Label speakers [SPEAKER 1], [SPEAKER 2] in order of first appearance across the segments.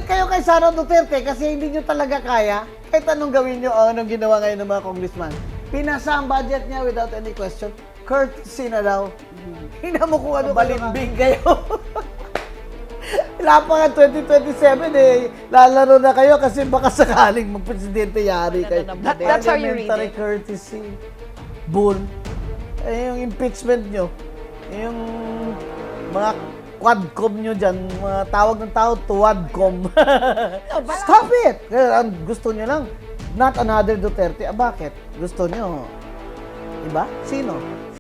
[SPEAKER 1] kayo kay Sara Duterte kasi hindi nyo talaga kaya. Kahit anong gawin nyo o anong ginawa ngayon ng mga congressman. Pinasa ang budget niya without any question. Courtesy na daw. Hina mo kung ano balimbing kayo. Wala pa nga 2027 eh. Lalaro na kayo kasi baka sakaling magpresidente yari kayo.
[SPEAKER 2] That's how you read
[SPEAKER 1] Parliamentary
[SPEAKER 2] it.
[SPEAKER 1] courtesy. Bull. Eh, yung impeachment nyo. Yung mga quadcom nyo dyan. Mga tawag ng tao, tuwadcom. Stop it! Kaya ang gusto nyo lang, not another Duterte. Ah, bakit? Gusto nyo, iba? Sino?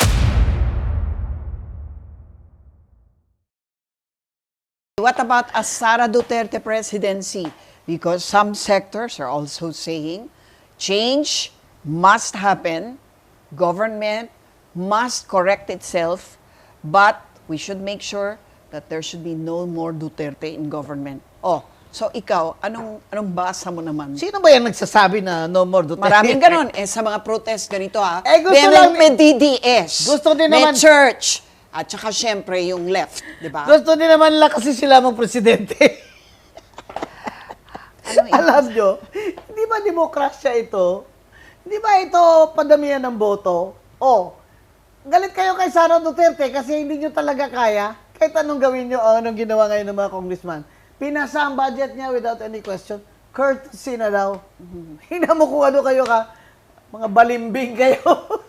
[SPEAKER 2] What about a Sara Duterte presidency? Because some sectors are also saying change must happen, government must correct itself, but we should make sure that there should be no more Duterte in government. Oh, so ikaw, anong basa mo naman?
[SPEAKER 1] Sino ba yan nagsasabi na no more Duterte?
[SPEAKER 2] Maraming ganon. Sa mga protest, ganito ha.
[SPEAKER 1] Eh, gusto lang-
[SPEAKER 2] may DDS.
[SPEAKER 1] Gusto din
[SPEAKER 2] may
[SPEAKER 1] naman-
[SPEAKER 2] church. At saka syempre yung left, di ba?
[SPEAKER 1] Gusto din naman lang kasi sila magpresidente. Alam nyo, hindi ba demokrasya ito? Hindi ba ito padamihan ng boto? Oh, galit kayo kay Sara Duterte kasi hindi nyo talaga kaya. Kahit anong gawin nyo o anong ginawa ngayon ng mga congressman. Pinasa ang budget niya without any question. Courtesy na daw. Hina mo kung ano kayo ka. Mga balimbing kayo.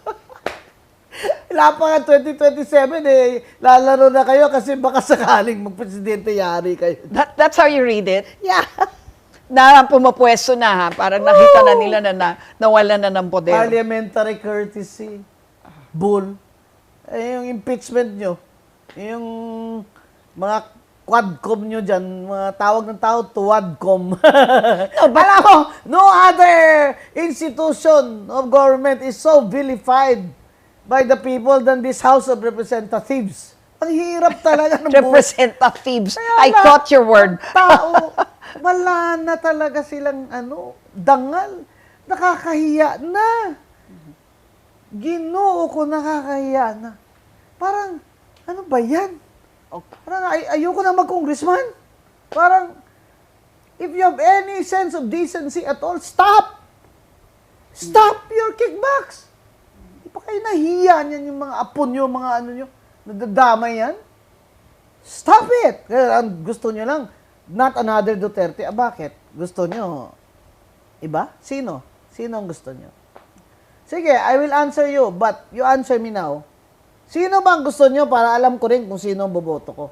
[SPEAKER 1] Wala pa nga 2027 eh. Lalaro na kayo kasi baka sakaling magpresidente yari kayo.
[SPEAKER 2] That's how you read it?
[SPEAKER 1] Yeah.
[SPEAKER 2] Na pumapwesto na ha, parang nakita na nila na nawala na ng poder.
[SPEAKER 1] Parliamentary courtesy. Bull. Eh, yung impeachment nyo. Yung mga quadcom nyo dyan, mga tawag ng tao, tuwadcom. Alam mo, no other institution of government is so vilified by the people than this House of Representatives. Ang hirap talaga ng
[SPEAKER 2] Representatives.
[SPEAKER 1] Kaya
[SPEAKER 2] I
[SPEAKER 1] na-
[SPEAKER 2] caught your word.
[SPEAKER 1] ang tao, wala na talaga silang dangal. Nakakahiya na. Ginoo ko, nakakahiya na. Parang, ano ba yan? Parang ayoko na mag-congressman. Parang, if you have any sense of decency at all, stop! Stop your kickbacks! Di pa kayo nahiya niyan yung mga apo nyo, mga ano nyo, nadadamay yan? Stop it! Kaya ang gusto nyo lang, not another Duterte. Ah, bakit? Gusto nyo, iba? Sino? Sino ang gusto nyo? Sige, I will answer you, but you answer me now. Sino ba ang gusto nyo para alam ko rin kung sino ang boboto ko?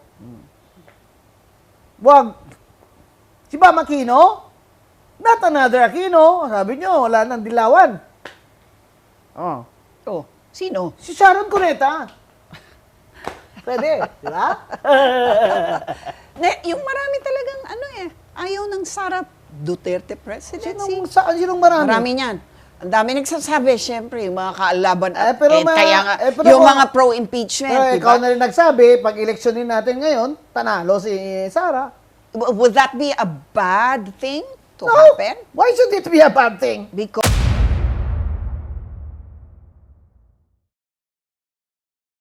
[SPEAKER 1] Wag. Si Bam Aquino? Not another Aquino. Sabi nyo, wala nang dilawan. Oh.
[SPEAKER 2] Oh, sino?
[SPEAKER 1] Si Sharon Cuneta. Pwede, di ba?
[SPEAKER 2] Yung marami talagang ayaw ng Sara Duterte presidency.
[SPEAKER 1] Sinong marami?
[SPEAKER 2] Marami niyan. Ang dami nagsasabi, syempre, yung mga kaalaban at
[SPEAKER 1] pero
[SPEAKER 2] kaya nga,
[SPEAKER 1] pero
[SPEAKER 2] yung
[SPEAKER 1] kung-
[SPEAKER 2] mga pro-impeachment,
[SPEAKER 1] Pero
[SPEAKER 2] di
[SPEAKER 1] ikaw
[SPEAKER 2] ba?
[SPEAKER 1] na rin nagsabi, pag eleksyonin natin ngayon, tanalo si Sara.
[SPEAKER 2] Would that be a bad thing to
[SPEAKER 1] No!
[SPEAKER 2] happen?
[SPEAKER 1] Why should it be a bad thing?
[SPEAKER 2] Because